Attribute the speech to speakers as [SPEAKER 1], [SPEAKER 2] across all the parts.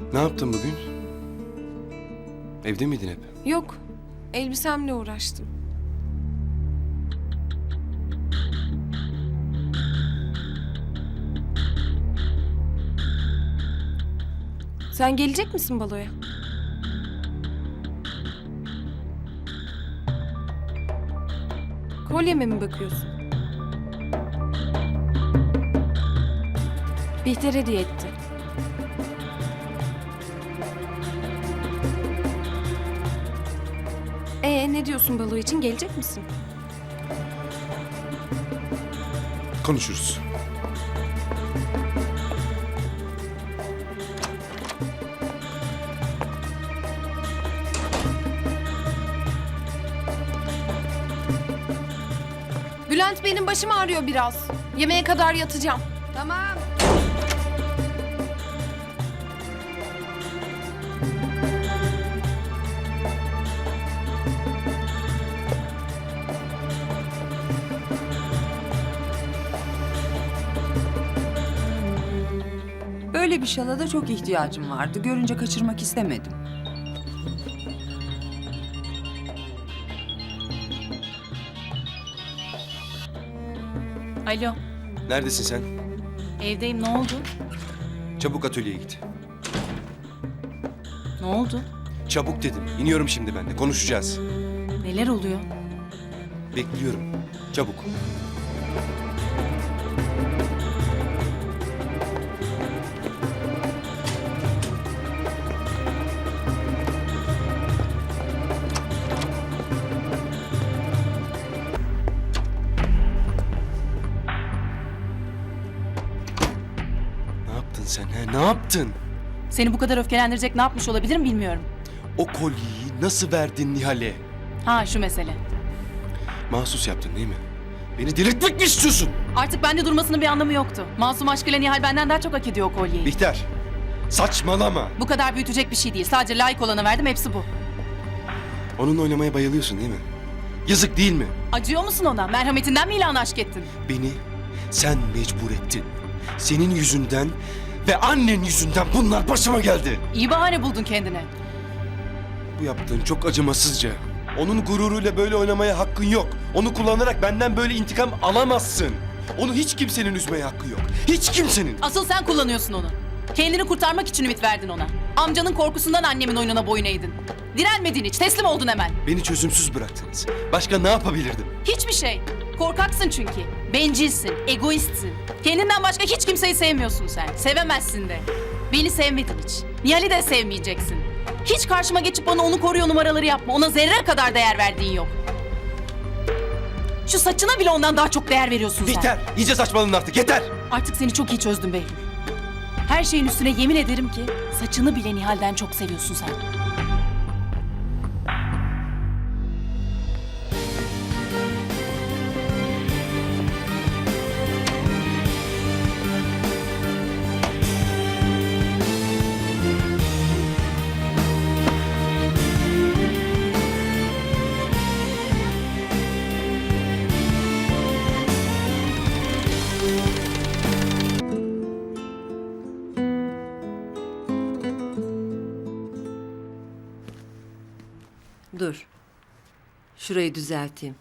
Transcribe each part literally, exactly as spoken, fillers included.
[SPEAKER 1] Ne yaptın bugün? Evde miydin hep?
[SPEAKER 2] Yok, elbisemle uğraştım. Sen gelecek misin baloya? Kolyeme mi bakıyorsun? Bihter hediye etti. Ee, ne diyorsun balo için? Gelecek misin?
[SPEAKER 1] Konuşuruz.
[SPEAKER 2] Bülent, benim başım ağrıyor biraz. Yemeğe kadar yatacağım. Tamam.
[SPEAKER 3] Böyle bir şala da çok ihtiyacım vardı. Görünce kaçırmak istemedim.
[SPEAKER 4] Alo,
[SPEAKER 1] Neredesin sen?
[SPEAKER 4] evdeyim. Ne oldu?
[SPEAKER 1] Çabuk atölyeye git.
[SPEAKER 4] Ne oldu?
[SPEAKER 1] Çabuk dedim. İniyorum şimdi ben de. Konuşacağız.
[SPEAKER 4] Neler oluyor?
[SPEAKER 1] Bekliyorum. Çabuk. Ne yaptın sen he? Ne yaptın?
[SPEAKER 4] Seni bu kadar öfkelendirecek ne yapmış olabilirim bilmiyorum.
[SPEAKER 1] O kolyeyi nasıl verdin Nihal'e?
[SPEAKER 4] Ha, şu mesele.
[SPEAKER 1] Mahsus yaptın değil mi? Beni delirtmek mi istiyorsun?
[SPEAKER 4] Artık bende durmasının bir anlamı yoktu. Masum aşkıyla Nihal benden daha çok hak ediyor o kolyeyi.
[SPEAKER 1] Bihter, saçmalama.
[SPEAKER 4] Bu kadar büyütecek bir şey değil. Sadece layık olanı verdim, hepsi bu.
[SPEAKER 1] Onunla oynamaya bayılıyorsun değil mi? Yazık değil mi?
[SPEAKER 4] Acıyor musun ona? Merhametinden mi ilan aşk ettin?
[SPEAKER 1] Beni sen mecbur ettin. Senin yüzünden ve annen yüzünden bunlar başıma geldi.
[SPEAKER 4] İyi bahane buldun kendine.
[SPEAKER 1] Bu yaptığın çok acımasızca. Onun gururuyla böyle oynamaya hakkın yok. Onu kullanarak benden böyle intikam alamazsın. Onu hiç kimsenin üzmeye hakkı yok. Hiç kimsenin.
[SPEAKER 4] Asıl sen kullanıyorsun onu. Kendini kurtarmak için ümit verdin ona. Amcanın korkusundan annemin oyununa boyun eğdin. Direnmedin hiç, teslim oldun hemen.
[SPEAKER 1] Beni çözümsüz bıraktınız. Başka ne yapabilirdim?
[SPEAKER 4] Hiçbir şey. Korkaksın çünkü. Bencilsin, egoistsin. Kendinden başka hiç kimseyi sevmiyorsun sen. Sevemezsin de. Beni sevmedin hiç. Nihal'i de sevmeyeceksin. Hiç karşıma geçip bana onu koruyor numaraları yapma. Ona zerre kadar değer verdiğin yok. Şu saçına bile ondan daha çok değer veriyorsun sen.
[SPEAKER 1] Bihter, iyice saçmaladın artık. Yeter.
[SPEAKER 4] Artık seni çok iyi çözdüm Behlül. Her şeyin üstüne yemin ederim ki saçını bile Nihal'den çok seviyorsun sen.
[SPEAKER 5] Dur. Şurayı düzelteyim.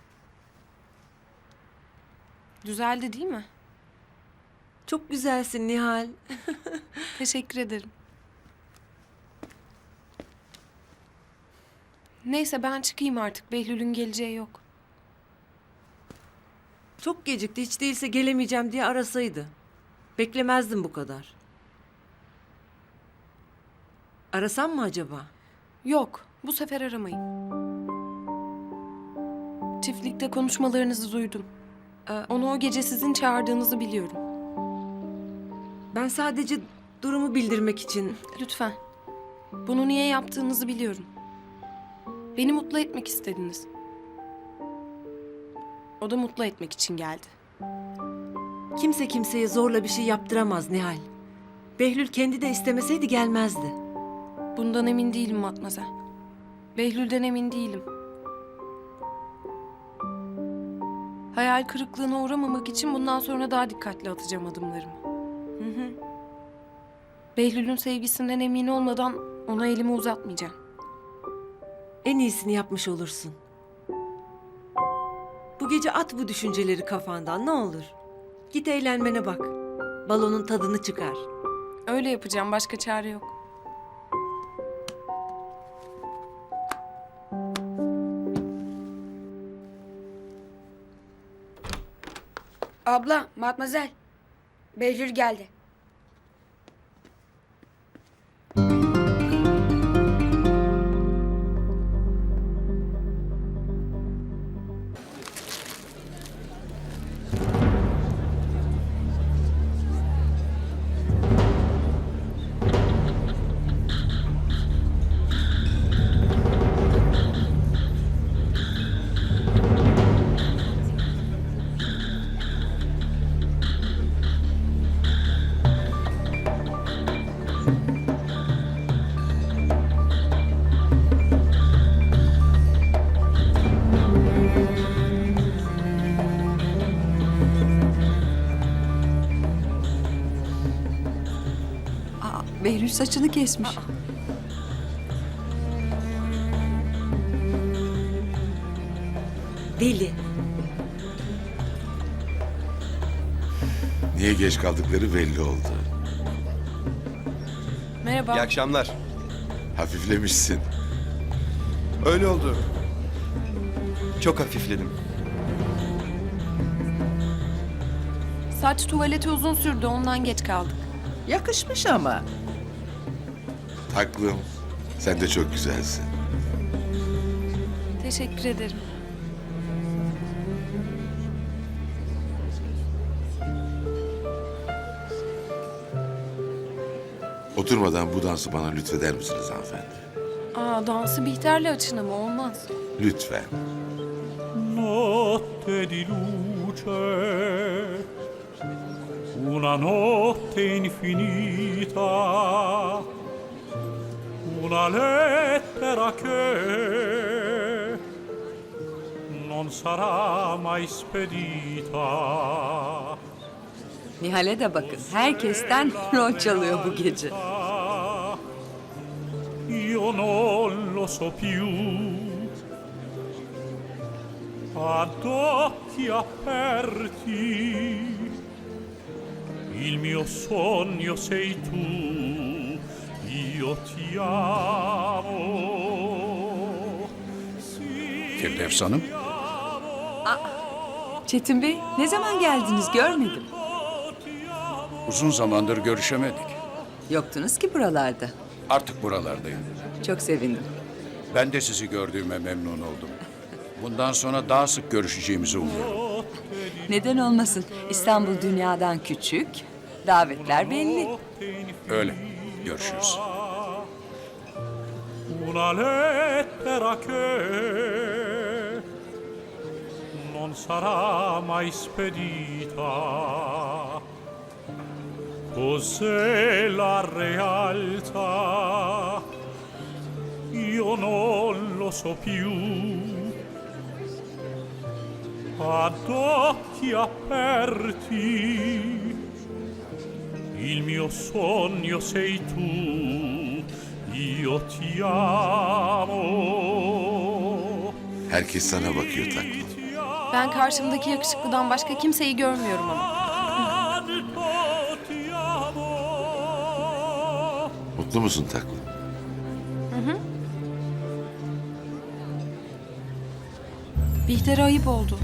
[SPEAKER 2] Düzeldi değil mi?
[SPEAKER 5] Çok güzelsin Nihal.
[SPEAKER 2] Teşekkür ederim. Neyse, ben çıkayım artık. Behlül'ün geleceği yok.
[SPEAKER 5] Çok gecikti. Hiç değilse gelemeyeceğim diye arasaydı. Beklemezdim bu kadar. Arasam mı acaba?
[SPEAKER 2] Yok, bu sefer aramayın. Çiftlikte konuşmalarınızı duydum. Ee, onu o gece sizin çağırdığınızı biliyorum.
[SPEAKER 5] Ben sadece durumu bildirmek için...
[SPEAKER 2] Lütfen. Bunu niye yaptığınızı biliyorum. Beni mutlu etmek istediniz. O da mutlu etmek için geldi.
[SPEAKER 5] Kimse kimseye zorla bir şey yaptıramaz Nihal. Behlül kendi de istemeseydi gelmezdi.
[SPEAKER 2] Bundan emin değilim Matmazel. Behlül'den emin değilim. Hayal kırıklığına uğramamak için bundan sonra daha dikkatli atacağım adımlarımı.
[SPEAKER 5] Hı hı.
[SPEAKER 2] Behlül'ün sevgisinden emin olmadan ona elimi uzatmayacağım.
[SPEAKER 5] En iyisini yapmış olursun. Bu gece at bu düşünceleri kafandan ne olur. Git eğlenmene bak. Balonun tadını çıkar.
[SPEAKER 2] Öyle yapacağım, başka çare yok.
[SPEAKER 6] Abla, matmazel. Behlül geldi.
[SPEAKER 3] Aa, Behlül saçını kesmiş.
[SPEAKER 5] Deli.
[SPEAKER 7] Niye geç kaldıkları belli oldu.
[SPEAKER 2] Merhaba.
[SPEAKER 1] İyi akşamlar.
[SPEAKER 7] Hafiflemişsin.
[SPEAKER 1] Öyle oldu. Çok hafifledim.
[SPEAKER 2] Saç tuvaleti uzun sürdü, ondan geç kaldık.
[SPEAKER 8] Yakışmış ama.
[SPEAKER 7] Taklım. Sen de çok güzelsin.
[SPEAKER 2] Teşekkür ederim.
[SPEAKER 7] Oturmadan bu dansı bana lütfeder misiniz hanımefendi?
[SPEAKER 2] Aa, dansı Bihter'le açın ama olmaz.
[SPEAKER 7] Lütfen.
[SPEAKER 9] Notte di luce, una notte infinita, una lettera che non sarà mai spedita.
[SPEAKER 3] Nihal'e de bakın. Herkesten rol çalıyor bu gece.
[SPEAKER 9] Io non lo so più. Ad occhi aperti, il mio sogno sei tu, io ti amo.
[SPEAKER 10] Firdevs Hanım,
[SPEAKER 3] Çetin Bey, ne zaman geldiniz görmedim.
[SPEAKER 10] uzun zamandır görüşemedik.
[SPEAKER 3] Yoktunuz ki buralarda.
[SPEAKER 10] Artık buralardayım.
[SPEAKER 3] Çok sevindim.
[SPEAKER 10] Ben de sizi gördüğüme memnun oldum. Bundan sonra daha sık görüşeceğimizi umuyorum.
[SPEAKER 3] Neden olmasın? İstanbul dünyadan küçük. Davetler belli.
[SPEAKER 10] Öyle. Görüşürüz.
[SPEAKER 9] Una lettera che non sarà mai spedita. Cos'è la realtà? Io non lo so più. Ad occhi aperti, il mio sogno sei tu, io ti amo.
[SPEAKER 7] Herkes sana bakıyor taklım.
[SPEAKER 2] Ben karşımdaki yakışıklıdan başka kimseyi görmüyorum ama.
[SPEAKER 9] Ti amo.
[SPEAKER 7] Mutlu musun taklım?
[SPEAKER 2] Bihter'e ayıp oldu.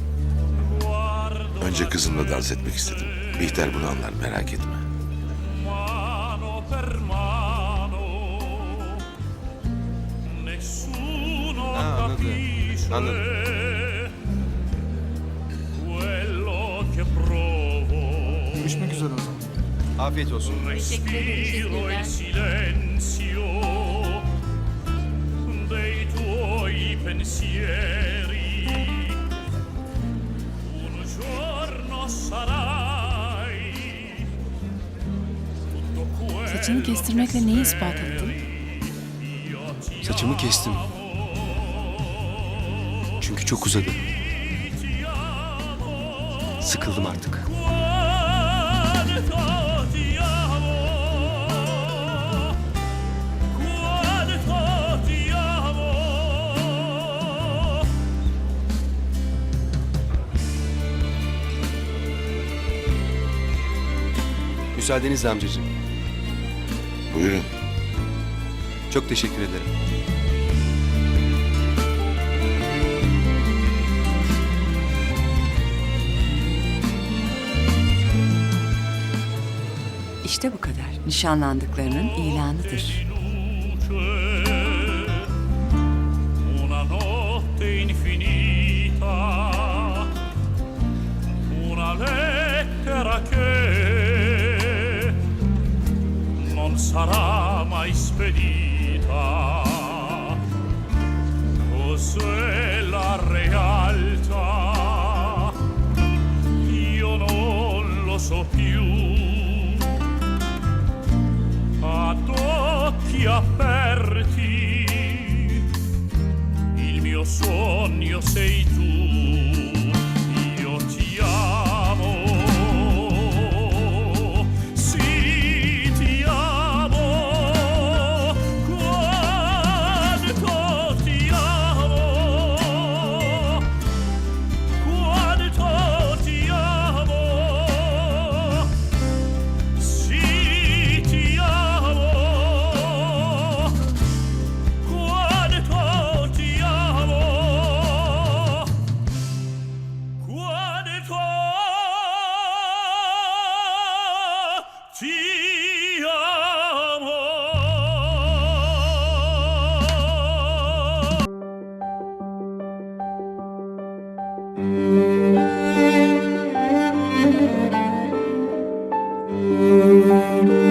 [SPEAKER 7] Önce kızımla dans etmek istedim. Bihter bunu anlar, merak etme.
[SPEAKER 9] Mano per mano, nessuno
[SPEAKER 1] Ha, anladım.
[SPEAKER 9] capisce
[SPEAKER 1] Anladım.
[SPEAKER 9] quello che provo.
[SPEAKER 1] Görüşmek üzere o zaman. Afiyet olsun.
[SPEAKER 9] Respiro il silenzio dei tuoi pensieri. Un giorno sarai tutto quello.
[SPEAKER 4] Saçını kestirmekle neyi ispat ettin?
[SPEAKER 1] Saçımı kestim. Çünkü çok uzadı. Sıkıldım artık.
[SPEAKER 9] Quanto ti amo.
[SPEAKER 1] Müsaadenizle amcacığım.
[SPEAKER 7] Buyurun.
[SPEAKER 1] Çok teşekkür ederim.
[SPEAKER 3] İşte bu kadar. Nişanlandıklarının ilanıdır.
[SPEAKER 9] Una notte infinita, una lettera che non sarà mai spedita. Cos'è la realtà? Io non lo so più. Ad occhi aperti, il mio sogno sei tu, io ti amo, sì ti amo, quanto ti amo, quanto ti amo, sì ti amo. Quanto ti amo, quanto ti amo.